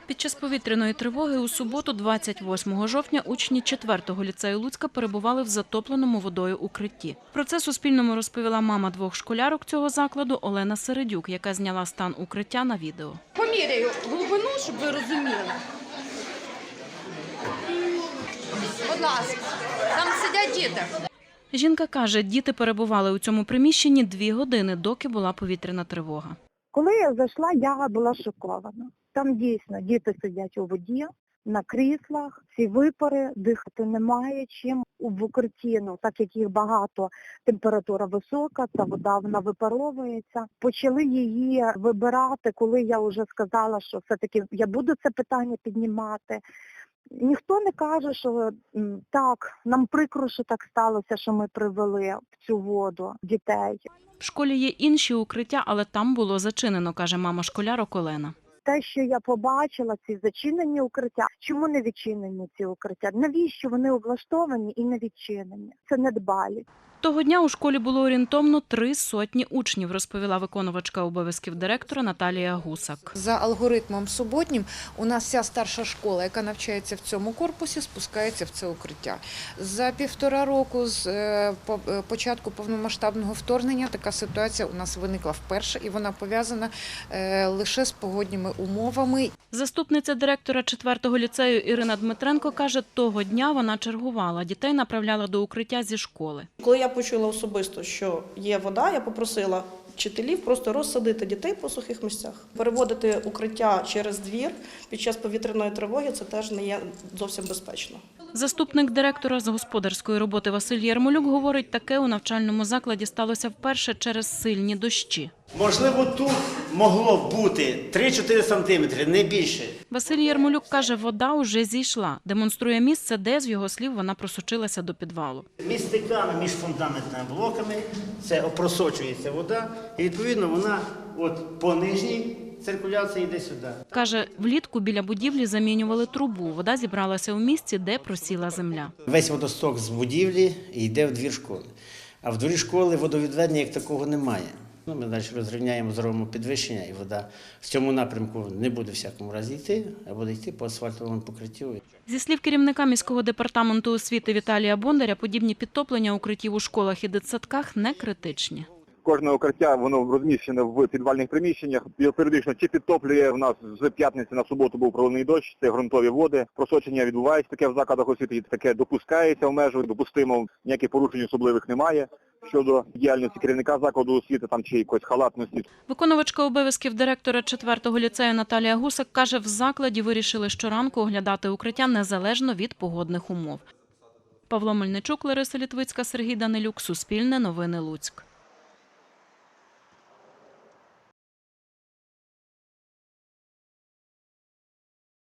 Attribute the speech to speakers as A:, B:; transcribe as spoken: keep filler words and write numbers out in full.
A: Під час повітряної тривоги у суботу, двадцять восьмого жовтня, учні четвертого ліцею Луцька перебували в затопленому водою укритті. Про це Суспільному розповіла мама двох школярок цього закладу Олена Середюк, яка зняла стан укриття на відео.
B: Поміряю глибину, щоб ви розуміли. Будь ласка, там сидять діти.
A: Жінка каже, діти перебували у цьому приміщенні дві години, доки була повітряна тривога.
C: Коли я зайшла, я була шокована. Там дійсно діти сидять у воді, на кріслах, ці випари, дихати немає чим. В укритті, ну, так як їх багато, температура висока, ця вода вона випаровується. Почали її вибирати, коли я вже сказала, що все-таки я буду це питання піднімати. Ніхто не каже, що так, нам прикро, що так сталося, що ми привели в цю воду дітей.
A: В школі є інші укриття, але там було зачинено, каже мама школярок Олена.
C: Те, що я побачила, ці зачинені укриття, чому не відчинені ці укриття? Навіщо вони облаштовані і не відчинені? Це недбалість.
A: Того дня у школі було орієнтовно три сотні учнів, розповіла виконувачка обов'язків директора Наталія Гусак.
D: За алгоритмом суботнім у нас вся старша школа, яка навчається в цьому корпусі, спускається в це укриття. За півтора року з початку повномасштабного вторгнення така ситуація у нас виникла вперше, і вона пов'язана лише з погодніми умовами.
A: Заступниця директора четвертого ліцею Ірина Дмитренко каже, того дня вона чергувала, дітей направляла до укриття зі школи.
E: Коли я почула особисто, що є вода, я попросила вчителів просто розсадити дітей по сухих місцях. Переводити укриття через двір під час повітряної тривоги – це теж не є зовсім безпечно.
A: Заступник директора з господарської роботи Василь Ярмолюк говорить, таке у навчальному закладі сталося вперше через сильні дощі.
F: Можливо, тут могло бути три-чотири сантиметри, не більше.
A: Василь Ярмолюк каже, вода уже зійшла. Демонструє місце, де, з його слів, вона просочилася до підвалу.
F: Між стиками, між фундаментними блоками це опросочується вода, і відповідно вона от по нижній циркуляції йде сюди.
A: Каже, влітку біля будівлі замінювали трубу. Вода зібралася у місці, де просіла земля.
F: Весь водосток з будівлі йде в двір школи. А в дворі школи водовідведення як такого немає. Ну, ми далі розрівняємо, зробимо підвищення, і вода в цьому напрямку не буде в всякому разі йти, а буде йти по асфальтовому покриттю. Зі
A: слів керівника міського департаменту освіти Віталія Бондаря, подібні підтоплення укриттів у школах і дитсадках не критичні.
G: Кожне укриття, воно розміщене в підвальних приміщеннях. Періодично чи підтоплює, в нас з п'ятниці на суботу був проливний дощ, це ґрунтові води. Просочення відбувається таке в закладах освіти, таке допускається в межах, допустимо, ніяких порушень особливих немає. Щодо діяльності керівника закладу освіти там чи якоїсь халатності.
A: Виконувачка обов'язків директора четвертого ліцею Наталія Гусак каже, в закладі вирішили щоранку оглядати укриття незалежно від погодних умов. Павло Мельничук, Лариса Літвицька, Сергій Данилюк, Суспільне новини Луцьк.